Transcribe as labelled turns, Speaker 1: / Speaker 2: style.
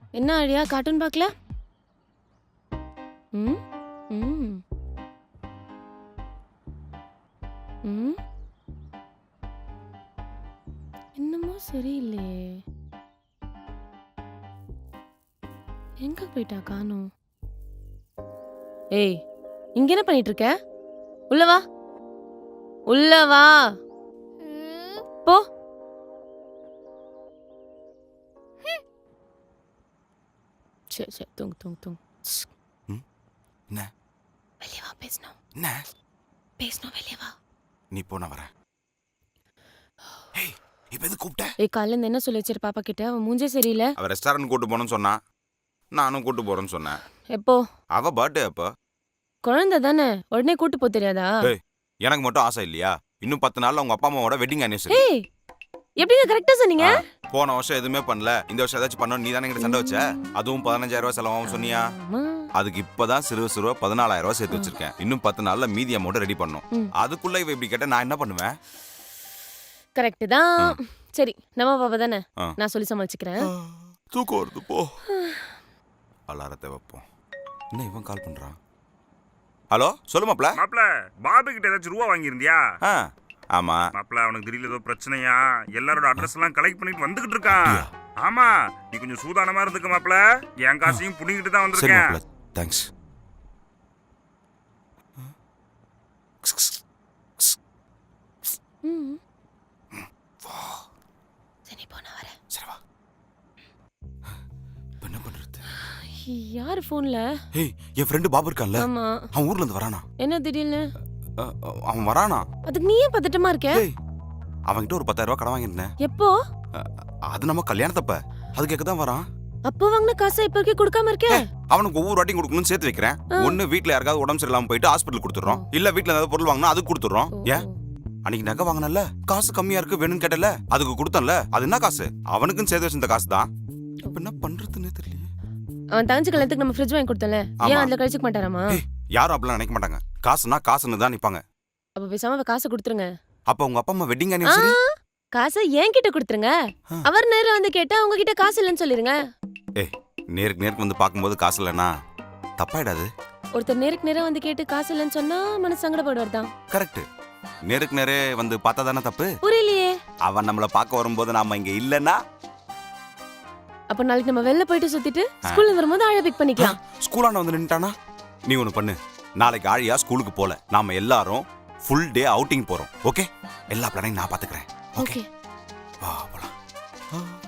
Speaker 1: என்ன ஆழியா கார்ட்டூன் பார்க்கல? ம் ம் ம் என்னமோ சரியில்லையே. எங்க போயிட்டா காணோம்? ஏய், இங்க என்ன பண்ணிட்டு இருக்க? உள்ள வா, உள்ள வா. போ. சரி சரி, தூங்கு தூங்கு தூங்கு.
Speaker 2: ம் என்ன
Speaker 1: வெளியே வா, பேசணும்
Speaker 2: என்ன
Speaker 1: பேசணும், வெளியே வா.
Speaker 2: நீ போ நான் வரேன். ஏய் இப்போ எது கூப்பிட்ட?
Speaker 1: ஏய், காலைல இருந்து என்ன சொல்லி வச்சிரு பாப்பா கிட்ட? அவன் மூஞ்சே சரியில்லை.
Speaker 2: அவ ரெஸ்டாரண்ட் கூட்டு போகணும்னு சொன்னா, நானும் கூட்டு போறேன்னு சொன்னேன்.
Speaker 1: எப்போ?
Speaker 2: அவ பர்த்டே அப்போ.
Speaker 1: குழந்தை தானே, உடனே கூட்டு போ தெரியாதா?
Speaker 2: ஏய் எனக்கு மட்டும் ஆசை இல்லையா? இன்னும் 10 நாள்ல உங்க அப்பா அம்மாவோட வெட்டிங் ஆனிவர்சரி.
Speaker 1: ஏய், எப்படிங்க கரெக்டா சொன்னீங்க?
Speaker 2: போன வருஷம் எதுவுமே பண்ணல, இந்த வருஷம் ஏதாச்சும் பண்ணணும். நீ தானே எங்கிட்ட சண்டை வச்ச. அதுவும் 15,000 ரூபாய் செலவாகும் சொன்னியா?
Speaker 1: ஆமா.
Speaker 2: அதுக்கு இப்பதான் சிறு 14,000 ரூபாய் சேர்த்து வச்சிருக்கேன். இன்னும் 10 நாள்ல மீதி அமௌண்ட் ரெடி பண்ணும்.
Speaker 1: ம்.
Speaker 2: அதுக்குள்ள இவ இப்படி கேட்டா நான் என்ன பண்ணுவேன்?
Speaker 1: கரெக்ட் தான். சரி, நம்ம பாப்பா தானே,
Speaker 2: ஆ.
Speaker 1: நான் சொல்லி சமாளிச்சுக்கிறேன்.
Speaker 2: தூக்கம் வருது போ. அலாரத்தை வைப்போம். என்ன இவன் கால் பண்றான்? ஹலோ சொல்லு மாப்ள.
Speaker 3: மாப்ள, பாபு கிட்ட ஏதாச்சும் ரூபா வாங்கியிருந்தியா?
Speaker 2: ஆ ஆமா.
Speaker 3: மாப்ள, அவனுக்கு திடீர்னு ஏதோ பிரச்சனையா, எல்லாரோட அட்ரஸ் எல்லாம் கலெக்ட் பண்ணிட்டு வந்துகிட்டு இருக்கான். ஆமா, நீ கொஞ்சம் சூதானமா இருந்துக்க மாப்ள. என் காசையும் புடிங்கிட்டு தான்
Speaker 2: சரி
Speaker 3: வந்திருக்கேன்.
Speaker 2: மாப்ள, தேங்க்ஸ்.
Speaker 1: ம். சரி, போ, நான் வரேன்.
Speaker 2: சரி வா. இப்ப என்ன பண்றது?
Speaker 1: யாரு போன்ல?
Speaker 2: ஏய் என் ஃப்ரெண்டு பாபு இருக்கான்ல,
Speaker 1: ஆமா.
Speaker 2: அவன் ஊர்ல இருந்து வரானா.
Speaker 1: என்ன திடீர்னு?
Speaker 2: அவன் வரானா.
Speaker 1: அதுக்கு நீ ஏன் பதட்டமா இருக்க?
Speaker 2: ஏய் அவன்கிட்ட ஒரு 10,000 ரூபாய் கடன் வாங்கியிருந்தேன்.
Speaker 1: எப்போ?
Speaker 2: அது நம்ம கல்யாணத்தப்ப. அது கேட்க தான் வரான்.
Speaker 1: அப்போ வாங்கின காசை இப்ப வரைக்கும் கொடுக்காம இருக்க?
Speaker 2: அவனுக்கு ஒவ்வொரு வாட்டியும் கொடுக்கணும்னு சேர்த்து வைக்கிறேன். ஒண்ணு வீட்ல யாருக்காவது உடம்பு சரியில்லாம போயிட்டு ஹாஸ்பிட்டல் கொடுத்துறோம், இல்ல வீட்ல ஏதாவது பொருள் வாங்கினா அதுக்கு கொடுத்துறோம். ஏன் அன்னைக்கு நகை வாங்கினல, காசு கம்மியா இருக்கு வேணும்னு கேட்டல, அதுக்கு கொடுத்தன்ல. அது என்ன காசு? அவனுக்குன்னு சேர்த்து வச்சிருந்த காசு தான். இப்ப என்ன பண்றதுன்னே தெரியல.
Speaker 1: அவன் தங்கச்சி கல்யாணத்துக்கு நம்ம ஃப்ரிட்ஜ் வாங்கி கொடுத்தல, ஏன்
Speaker 2: ஆமா.
Speaker 1: அதுல கழிச்சுக்க மாட்டாராமா?
Speaker 2: ஏய் யாரும் அப்படிலாம் நினைக்க மாட்டாங்க. காசுனா காசுன்னு தான் நிப்பாங்க.
Speaker 1: அப்ப பேசாம அவ காசை கொடுத்துருங்க.
Speaker 2: அப்ப உங்க அப்பா அம்மா வெட்டிங் ஆனிவர்சரி.
Speaker 1: காசை என்கிட்ட கொடுத்துருங்க. அவர் நேரம் வந்து கேட்டா உங்ககிட்ட காசு இல்லைன்னு சொல்லிருங்க.
Speaker 2: ஏய் நேருக்கு நேருக்கு வந்து பாக்கும்போது காசு இல்லைன்னா தப்பாயிடாது.
Speaker 1: ஒருத்தர் நேருக்கு நேரம் வந்து கேட்டு காசு இல்லைன்னு சொன்னா மனசு சங்கடப்படுவார் தான்.
Speaker 2: கரெக்ட். நேருக்கு நேரே வந்து பார்த்தா தானே தப்பு.
Speaker 1: புரியலையே.
Speaker 2: அவன் நம்மள பார்க்க வரும்போது நாம இங்க இல்லைன்னா,
Speaker 1: அப்ப நாளைக்கு நம்ம வெளில போயிட்டு சுத்திட்டு ஸ்கூல்ல வரும்போது ஆழ பிக் பண்ணிக்கலாம்.
Speaker 2: ஸ்கூலாண்ட வந்து நின்னுட்டானா? நீ ஒண்ணு பண்ணு, நாளைக்கு ஆழியா ஸ்கூலுக்கு போல, நாம எல்லாரும் ஃபுல் டே அவுட்டிங் போறோம். ஓகே, எல்லா பிளானையும் நான் பாத்துக்கிறேன். Okay
Speaker 1: okay.
Speaker 2: வா போலாம்.